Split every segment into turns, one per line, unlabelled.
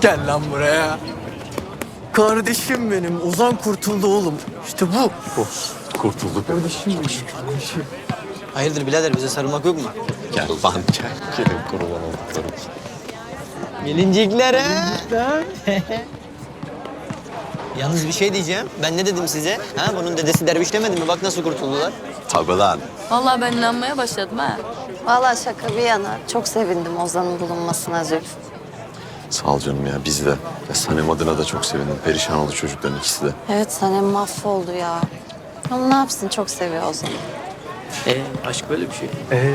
Gel lan buraya. Kardeşim benim. Ozan kurtuldu oğlum. İşte bu.
Kurtulduk.
Kardeşim benim.
Hayırdır birader, bize sarılmak yok mu?
Gel lan gel. Gelin kurban olduklarım.
Gelincikler ha? Yalnız bir şey diyeceğim. Ben ne dedim size? Ha, bunun dedesi derviş demedi mi? Bak nasıl kurtuldular.
Tabii lan.
Vallahi ben inanmaya başladım ha.
Vallahi şaka bir yana çok sevindim Ozan'ın bulunmasına Zülfü.
Sağ ol canım ya biz de. Ya Sanem adına da çok sevindim. Perişan oldu çocukların ikisi de.
Evet Sanem mahvoldu ya. Ama ne yapsın çok seviyor Ozan'ı.
Aşk böyle bir şey.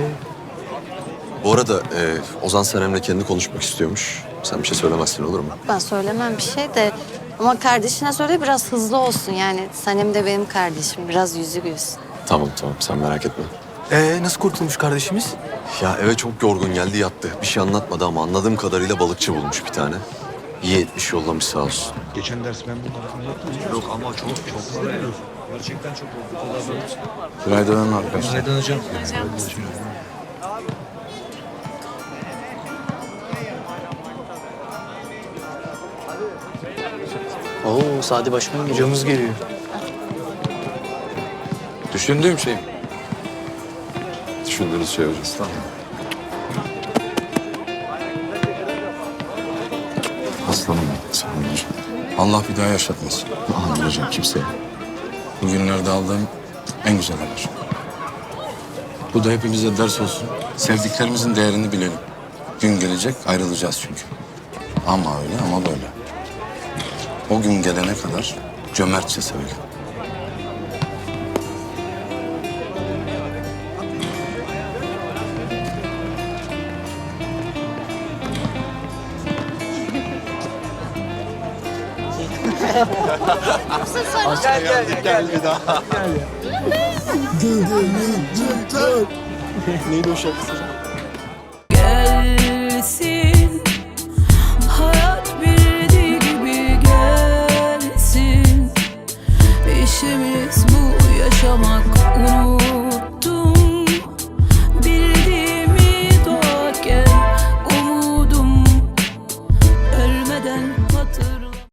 Bu arada Ozan Sanem'le kendi konuşmak istiyormuş. Sen bir şey söylemezsin olur mu?
Ben söylemem bir şey de ama kardeşine söyle biraz hızlı olsun yani. Sanem de benim kardeşim biraz yüzü gülsün.
Tamam sen merak etme.
Nasıl kurtulmuş kardeşimiz?
Ya eve çok yorgun geldi yattı. Bir şey anlatmadı ama anladığım kadarıyla balıkçı bulmuş bir tane. İyi etmiş yollamış sağ olsun.
Geçen ders ben bunları anlattım. Yok ama çok para veriyor. Gerçekten çok oldu.
Günaydın arkadaşlar.
Günaydın hocam.
Oo, Sadi Başkan geliyor.
Hocamız geliyor.
Düşündüğüm şey. Düşündüğünüz şey hocam. Tamam. Aslanım sağ olun hocam.
Allah bir daha yaşatmasın.
Amin hocam kimseye.
Bugünlerde aldığım en güzel haber. Bu da hepimize ders olsun. Sevdiklerimizin değerini bilelim. Gün gelecek ayrılacağız çünkü. Ama öyle ama böyle. O gün gelene kadar cömertçe sevelim.
Gel bir daha.
Neydi o şarkısı?